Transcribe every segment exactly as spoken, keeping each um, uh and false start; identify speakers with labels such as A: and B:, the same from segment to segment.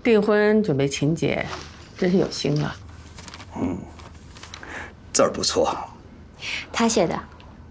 A: 订婚准备请柬，真是有心了。
B: 嗯，字儿不错。
C: 他写的。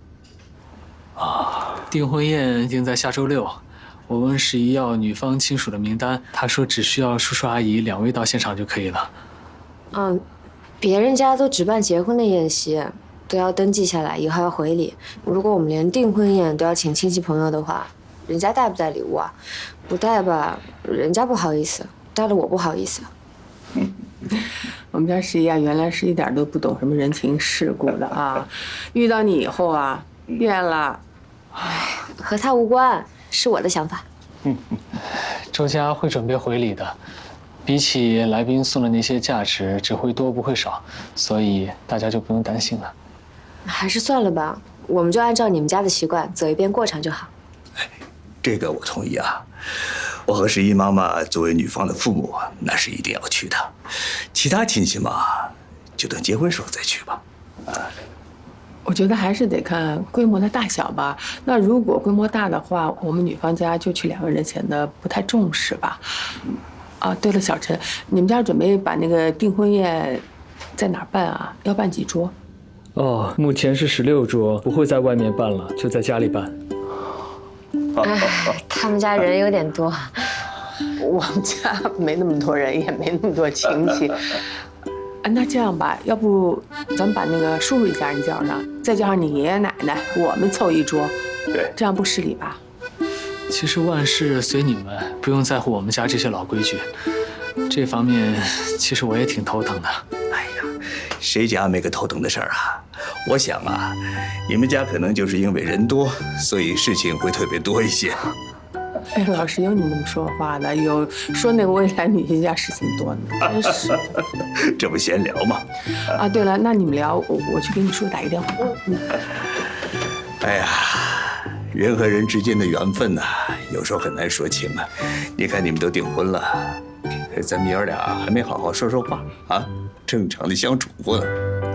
D: 啊，订婚宴定在下周六。我问十一要女方亲属的名单，他说只需要叔叔阿姨两位到现场就可以了。
C: 嗯，别人家都只办结婚的宴席，都要登记下来，以后要回礼。如果我们连订婚宴都要请亲戚朋友的话，人家带不带礼物啊？不带吧，人家不好意思；带了我不好意思。
A: 嗯，我们家十一啊，原来是一点都不懂什么人情世故的啊，遇到你以后啊，变了。
C: 唉，和他无关，是我的想法。
D: 嗯，周家会准备回礼的，比起来宾送的那些价值，只会多不会少，所以大家就不用担心了。
C: 还是算了吧，我们就按照你们家的习惯走一遍过场就好。
B: 这个我同意啊，我和十一妈妈作为女方的父母，那是一定要去的。其他亲戚嘛，就等结婚时候再去吧。啊。
A: 我觉得还是得看规模的大小吧。那如果规模大的话，我们女方家就去两个人显得不太重视吧。啊，对了，小陈，你们家准备把那个订婚宴在哪儿办啊？要办几桌？
E: 哦，目前是十六桌，不会在外面办了，就在家里办。
C: 哎，他们家人有点多。
A: 我们家没那么多人，也没那么多亲戚。啊，那这样吧，要不咱们把那个叔叔一家人叫上，再加上你爷爷奶奶，我们凑一桌，
B: 对，
A: 这样不失礼吧？
D: 其实万事随你们，不用在乎我们家这些老规矩。这方面，其实我也挺头疼的。
B: 哎呀，谁家没个头疼的事儿啊？我想啊，你们家可能就是因为人多，所以事情会特别多一些。
A: 哎，老是有你那么说话的，有说那个未来女婿家事情多呢，真是。
B: 这不闲聊吗？
A: 啊，对了，那你们聊，我我去给你叔打一个电话。嗯。
B: 哎呀，人和人之间的缘分呐、啊，有时候很难说清啊。你看你们都订婚了，咱们爷儿俩还没好好说说话啊，正常的相处过呢。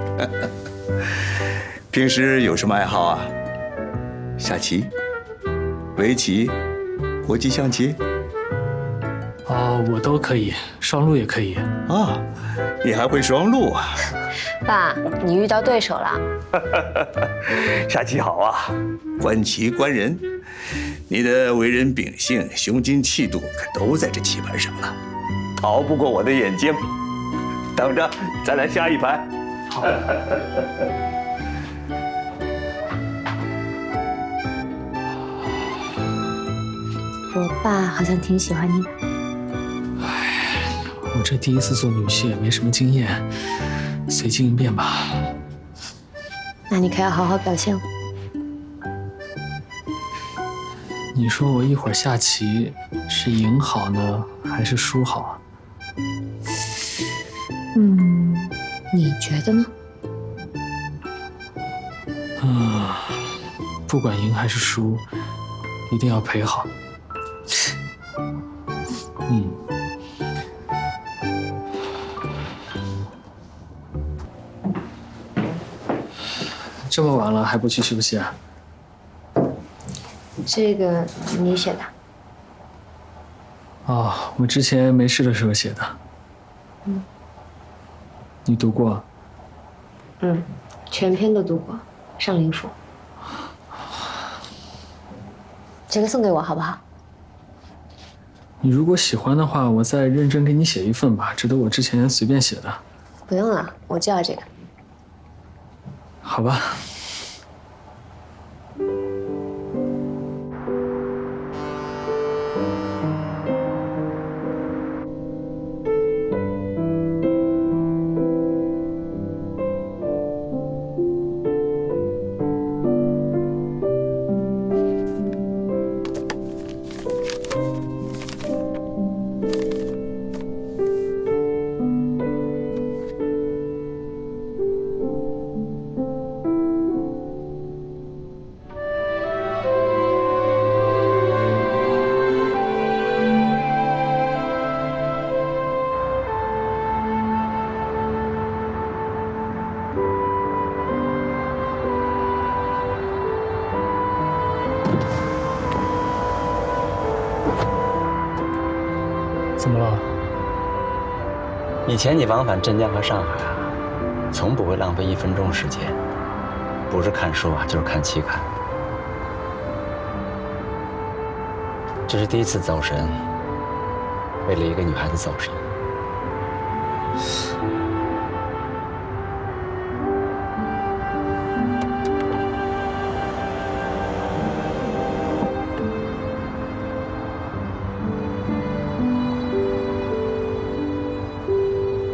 B: 平时有什么爱好啊？下棋、围棋、国际象棋？
D: 哦，我都可以，双陆也可以。
B: 啊，你还会双陆啊？
C: 爸，你遇到对手了。
B: 下棋好啊，观棋观人，你的为人秉性、胸襟气度可都在这棋盘上了，逃不过我的眼睛。等着，咱俩下一盘。
D: 好。
C: 我爸好像挺喜欢你的。
D: 唉，我这第一次做女婿也没什么经验，随机应变吧。
C: 那你可要好好表现了。
D: 你说我一会儿下棋是赢好呢，还是输好啊？
C: 嗯，你觉得呢？
D: 嗯，不管赢还是输，一定要陪好。嗯。这么晚了还不去休息啊？
C: 这个你写的。
D: 哦，我之前没事的时候写的。
C: 嗯。
D: 你读过？
C: 嗯，全篇都读过，上灵府。这个送给我好不好？
D: 你如果喜欢的话，我再认真给你写一份吧，这都我之前随便写的。
C: 不用了，我就要这个。
D: 好吧。
F: 以前你往返镇江和上海啊，从不会浪费一分钟时间，不是看书啊，就是看期刊。这是第一次走神，为了一个女孩子走神。